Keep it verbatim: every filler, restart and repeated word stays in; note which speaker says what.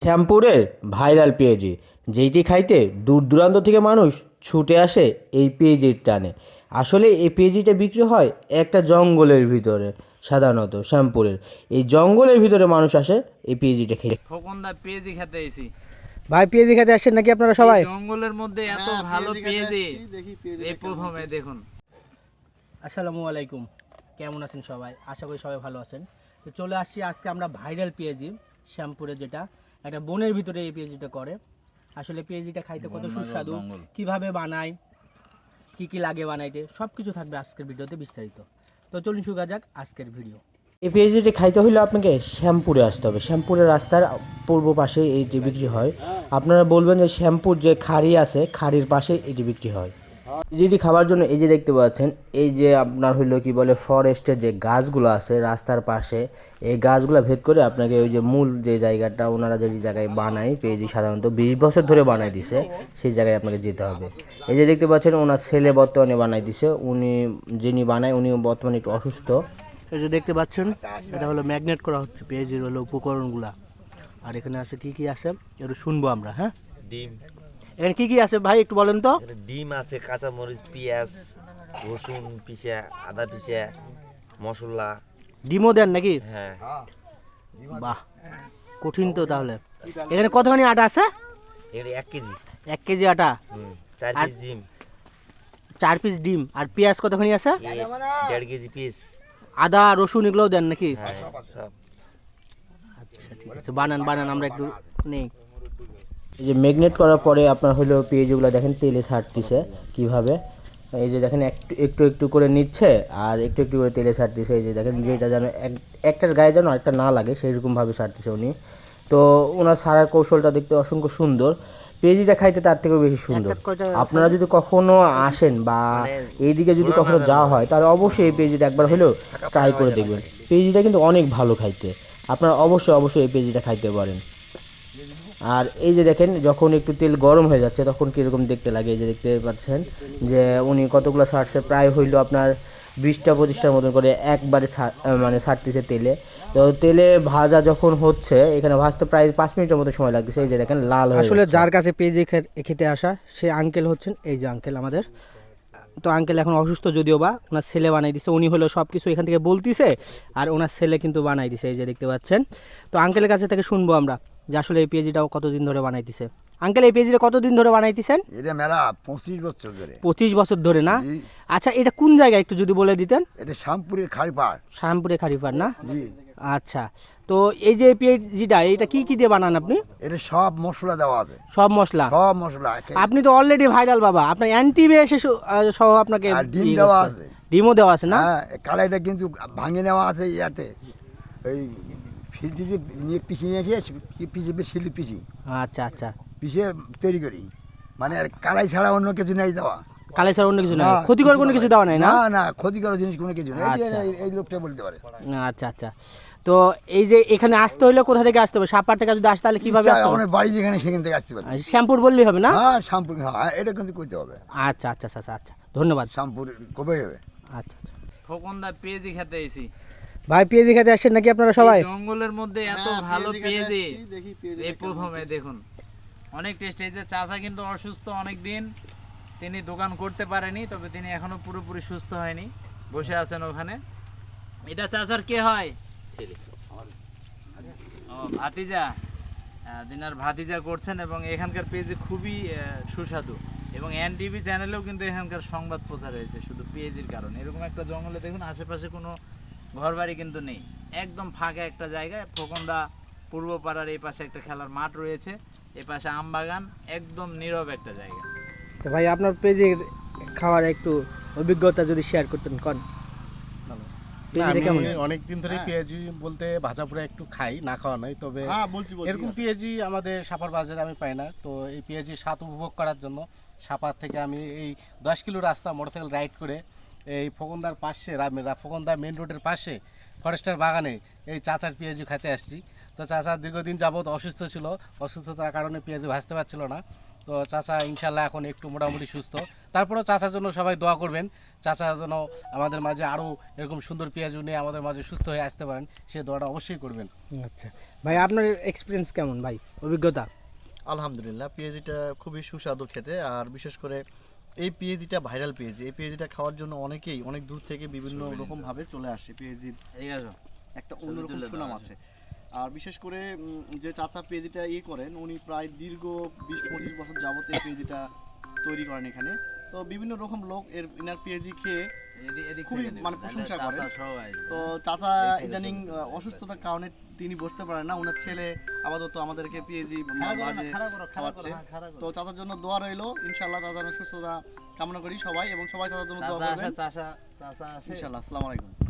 Speaker 1: শ্যামপুরের viral পেঁয়াজি, যেইটি খাইতে দূর দূরান্ত থেকে মানুষ ছুটে আসে এই পেঁয়াজির টানে। আসলে এই পেঁয়াজিটা বিক্রি হয় একটা জঙ্গলের ভিতরে, সাধারণত শ্যামপুরের এই জঙ্গলের ভিতরে মানুষ আসে এই পেঁয়াজিটা খেয়ে।
Speaker 2: খোকনদা পেঁয়াজি খেতে এসি।
Speaker 3: ভাই পেঁয়াজি খেতে আসছেন নাকি আপনারা সবাই?
Speaker 2: জঙ্গলের মধ্যে এত ভালো পেঁয়াজি এই প্রথমে দেখুন।
Speaker 3: আসসালামু আলাইকুম, কেমন আছেন সবাই? আশা করি সবাই ভালো আছেন। তো চলে আসছি আজকে আমরা ভাইরাল পেঁয়াজি শ্যামপুরে, যেটা একটা বনের ভিতরে এই পেঁয়াজিটা করে। আসলে পেঁয়াজিটা খাইতে কত সুস্বাদু, কিভাবে বানায়, কি কি লাগে বানাইতে, সব কিছু থাকবে আজকের ভিডিওতে বিস্তারিত। তো চলুন শুরু করা যাক আজকের ভিডিও।
Speaker 1: এই পেঁয়াজিটি খাইতে হলে আপনাকে শ্যামপুরে আসতে হবে। শ্যামপুরের রাস্তার পূর্ব পাশে এইটি বিক্রি হয়। আপনারা বলবেন যে শ্যামপুর যে খাড়ি আছে, খাড়ির পাশে এটি বিক্রি হয়। যেটি খাবার জন্য এই যে দেখতে পাচ্ছেন, এই যে আপনার হইলো কি বলে ফরেস্টের যে গাছগুলো আছে রাস্তার পাশে, এই গাছগুলো ভেদ করে আপনাকে ওই যে মূল যে জায়গাটা ওনারা যে জায়গায় বানায় পেঁয়াজি, সাধারণত বিশ বছর ধরে বানায় দিছে, সেই জায়গায় আপনাকে যেতে হবে। এই যে দেখতে পাচ্ছেন ওনার ছেলে বর্তমানে বানাই দিছে, উনি যিনি বানায় উনি বর্তমানে একটু অসুস্থ।
Speaker 3: এই যে দেখতে পাচ্ছেন এটা হলো ম্যাগনেট করা হচ্ছে পেঁয়াজির হলো উপকরণগুলা। আর এখানে আছে কি কি আছে একটু শুনবো আমরা। হ্যাঁ,
Speaker 4: ডিম,
Speaker 3: এখানে কি কি আছে ভাই একটু বলেন তো?
Speaker 4: এখানে ডিম আছে, কাঁচা মরিচ, পেঁয়াজ, রসুন পিসা, আদা পিসা, মশলা।
Speaker 3: ডিমও দেন নাকি?
Speaker 4: হ্যাঁ,
Speaker 3: বাহ, কঠিন তো তাহলে। এখানে কতখানি আটা আছে?
Speaker 4: এখানে এক কেজি,
Speaker 3: এক কেজি আটা,
Speaker 4: হুম, চার
Speaker 3: আর-
Speaker 4: পিস ডিম,
Speaker 3: চার পিস ডিম, আর পেঁয়াজ কতখানি আছে?
Speaker 4: এ দেড় কেজি পিস।
Speaker 3: আদা রসুন এগুলোও দেন নাকি?
Speaker 4: হ্যাঁ, সব।
Speaker 3: আচ্ছা ঠিক আছে, বানান বানান আমরা একটু নেই।
Speaker 1: এই যে ম্যাগনেট করার পরে আপনার হলো পেঁয়াজগুলো দেখেন তেলে ছাড়তিছে কিভাবে। এই যে দেখেন একটু একটু একটু করে নিচ্ছে আর একটু একটু করে তেলে ছাড়তিছে। এই যে দেখেন যেটা যেন এক- একটার গায়ে যেন আরেকটা না লাগে সেইরকমভাবে ছাড়তিছে উনি। তো ওনার ছাড়ার কৌশলটা দেখতে অসংখ্য সুন্দর, পেঁয়াজিটা খাইতে তার থেকেও বেশি সুন্দর।
Speaker 3: একটা কয়টা
Speaker 1: আপনারা যদি কখনো আসেন বা এইদিকে যদি কখনো যাওয়া হয় তাহলে অবশ্যই এই পেঁয়াজিটা একবার হলেও ট্রাই করে দেখবেন। পেঁয়াজিটা কিন্তু অনেক ভালো খাইতে, আপনারা অবশ্যই অবশ্যই এই পেঁয়াজিটা খাইতে পারেন। আর এই যে দেখেন যখন একটু তেল গরম হয়ে যাচ্ছে তখন কীরকম দেখতে লাগে, এই যে দেখতে পাচ্ছেন যে উনি কতগুলো ছাড়ছে, প্রায় হইলো আপনার বিশটা পঁচিশটার মতন করে একবারে ছা- মানে ছাড়তেছে তেলে। তো তেলে ভাজা যখন হচ্ছে, এখানে ভাজতে প্রায় পাঁচ মিনিটের মতো সময় লাগতেছে। এই যে দেখেন লাল হয়ে
Speaker 3: আসলে
Speaker 1: যাচ্ছে।
Speaker 3: যার কাছে পেঁয়াজি খে- খেতে আসা সে আঙ্কেল হচ্ছেন এই যে আঙ্কেল আমাদের। তো আঙ্কেল এখন অসুস্থ যদিও বা, ওনার ছেলে বানাই দিছে, উনি হলো সব কিছু এখান থেকে বলতিছে আর ওনার ছেলে কিন্তু বানাই দিছে, এই যে দেখতে পাচ্ছেন। তো আঙ্কেলের কাছে থেকে শুনবো আমরা যে আসলে এই পেঁয়াজিটাও কতদিন ধরে বানাইতেছে। আঙ্কেল এই পেঁয়াজিটা কতদিন ধরে বানাইতেছেন?
Speaker 5: এটা মেলা পঁচিশ বছর ধরে।
Speaker 3: পঁচিশ বছর ধরে না?
Speaker 5: জি।
Speaker 3: আচ্ছা, এটা কোন জায়গায় একটু যদি বলে দিতেন?
Speaker 5: এটা শ্যামপুরের খাড়িপাড়।
Speaker 3: শ্যামপুরে খারিপার না?
Speaker 5: জি।
Speaker 3: আচ্ছা, তো এই যে পেঁয়াজিটা এটা কি কি দিয়ে বানান আপনি?
Speaker 5: এটা সব মশলা দেওয়া আছে,
Speaker 3: সব মশলা?
Speaker 5: সব মশলা।
Speaker 3: আপনি তো অলরেডি ভাইরাল বাবা, আপনার অ্যান্টি এসে সহ আপনাকে
Speaker 5: আর ডিম
Speaker 3: ইয়ে
Speaker 5: দেওয়া
Speaker 3: করতে
Speaker 5: আছে।
Speaker 3: হবে। ডিমও দেওয়া আছে না?
Speaker 5: হ্যাঁ, কালাইটা কিন্তু ভাঙে নেওয়া আছে ইয়াতে, ওই ফিল্টিতে নিয়ে পিষে নিয়ে এসে পিষে শিলি পিষি
Speaker 3: আচ্ছা আচ্ছা,
Speaker 5: পিষে তৈরি করি। মানে আর কালাই ছাড়া অন্য কিছু নেই দেওয়া।
Speaker 3: কালে স্যার অন্য কিছু না,
Speaker 5: না,
Speaker 3: ক্ষতিকর কোনো কিছু দেওয়া নাই না?
Speaker 5: না না, ক্ষতিকর জিনিস কোনো কিছু নেই। এই যে
Speaker 3: আচ্ছা।
Speaker 5: এই- এই লোকটা বলতে পারে।
Speaker 3: আচ্ছা আচ্ছা, তো এই যে এখানে আসতে হলে কোথা থেকে আসতে হবে? সাপার থেকে যদি আসতে তাহলে কিভাবে
Speaker 5: ইচ্ছা,
Speaker 3: আসতে হবে?
Speaker 5: আমার বাড়ি যেখানে সেখান থেকে আসতে পারে।
Speaker 3: আর শ্যামপুর বললেই হবে না?
Speaker 5: হ্যাঁ, শ্যামপুর, হ্যাঁ, এটা কিন্তু করতে হবে।
Speaker 3: আচ্ছা আচ্ছা আচ্ছা আচ্ছা, ধন্যবাদ।
Speaker 5: শ্যামপুর কবে হবে?
Speaker 3: আচ্ছা আচ্ছা।
Speaker 2: খোকনদা পেঁয়াজি খেতে এসি।
Speaker 3: ভাই পেঁয়াজি খেতে আসছেন নাকি আপনারা সবাই?
Speaker 2: জঙ্গলের মধ্যে এত ভালো পেঁয়াজি এই প্রথমে দেখুন, অনেক টেস্ট। এই যে চাচা কিন্তু অসুস্থ অনেক দিন, তিনি দোকান করতে পারেনি, তবে তিনি এখনো পুরোপুরি সুস্থ হয়নি, বসে আছেন ওখানে। এটা চাচার কে হয়?
Speaker 4: ছেলে।
Speaker 2: ও ভাতিজা, আহ, দিনার ভাতিজা করছেন। এবং এখানকার পেজে খুবই আহ, সুস্বাদু, এবং এন টিভি চ্যানেলেও কিন্তু এখানকার সংবাদ প্রচার হয়েছে শুধু পেঁয়াজির কারণে। এরকম একটা জঙ্গলে দেখুন, আশেপাশে কোনো ঘরবাড়ি কিন্তু নেই, একদম ফাঁকা একটা জায়গায়। খোকনদা পূর্ব পাড়ার এই পাশে একটা খেলার মাঠ রয়েছে, এ পাশে আম বাগান, একদম নীরব একটা জায়গা।
Speaker 3: তো ভাই আপনার পেঁয়াজির খাওয়ার একটু অভিজ্ঞতা যদি শেয়ার করতেন কোন। পেঁয়াজিটা কেমন?
Speaker 6: আমি অনেক দিন ধরে পেঁয়াজি বলতে ভাজা পোড়া একটু খাই, না খাওয়া নয়, তবে এরকম পেঁয়াজি আমাদের সাপার বাজারে আমি পাই না। তো এই পেঁয়াজির স্বাদ উপভোগ করার জন্য সাপার থেকে আমি এই দশ কিলো রাস্তা মোটরসাইকেল রাইড করে এই ফোকনদার পাশে, ফোকনদা মেন রোডের পাশে ফরেস্টার বাগানে এই চাচার পেঁয়াজি খেতে আসছি। তো চাচা দীর্ঘদিন যাবত অসুস্থ ছিল, অসুস্থতার কারণে পেঁয়াজি ভাজতে পারছিল না। তো চাচা ইনশাল্লাহ এখন একটু মোটামুটি সুস্থ। তারপরেও চাচার জন্য সবাই দোয়া করবেন, চাচা যেন আমাদের মাঝে আরও এরকম সুন্দর পেঁয়াজ নিয়ে আমাদের মাঝে সুস্থ হয়ে আসতে পারেন, সে দোয়াটা অবশ্যই করবেন।
Speaker 3: আচ্ছা ভাই, আপনার এক্সপিরিয়েন্স কেমন ভাই, অভিজ্ঞতা?
Speaker 7: আলহামদুলিল্লাহ, পেঁয়াজিটা খুবই সুস্বাদু খেতে, আর বিশেষ করে এই পেঁয়াজিটা ভাইরাল পেঁয়াজি। এই পেঁয়াজিটা খাওয়ার জন্য অনেকেই অনেক দূর থেকে বিভিন্ন রকম ভাবে চলে আসে। পেঁয়াজির
Speaker 2: এই আসো
Speaker 7: একটা অন্যরকম সুনাম আছে। আর বিশেষ করে উম, যে চাচা পেঁয়াজিটা ইয়ে করেন, উনি প্রায় দীর্ঘ বিশ পঁচিশ বছর যাবত এই পেঁয়াজিটা তৈরি করেন এখানে। তো বিভিন্ন রকম লোক এর ইনার পেঁয়াজি খেয়ে
Speaker 2: এদিক এদিক
Speaker 7: খুবই
Speaker 2: থেকে নেবেন,
Speaker 7: মানে
Speaker 2: তাহলে
Speaker 7: প্রশংসা
Speaker 2: চাচা
Speaker 7: করেন।
Speaker 2: সহ আসবে।
Speaker 7: তো চাচা ইদানিং আহ, অসুস্থতার কারণে তিনি বসতে পারেন না, ওনার ছেলে আপাতত আমাদেরকে পেঁয়াজি
Speaker 2: খাড়া করো না,
Speaker 7: মাঝে
Speaker 2: খাড়া করো, খাড়া করো,
Speaker 7: খাওয়াচ্ছে।
Speaker 2: হ্যাঁ, খাড়া করো।
Speaker 7: তো চাচার জন্য দোয়া রইলো, ইনশাআল্লাহ চাচার সুস্থতা কামনা করি সবাই, এবং সবাই চাচার জন্য দোয়া
Speaker 2: চাচা
Speaker 7: করবেন
Speaker 2: আসে, চাচা চাচা আসে।
Speaker 7: ইনশাআল্লাহ। আসসালামু আলাইকুম।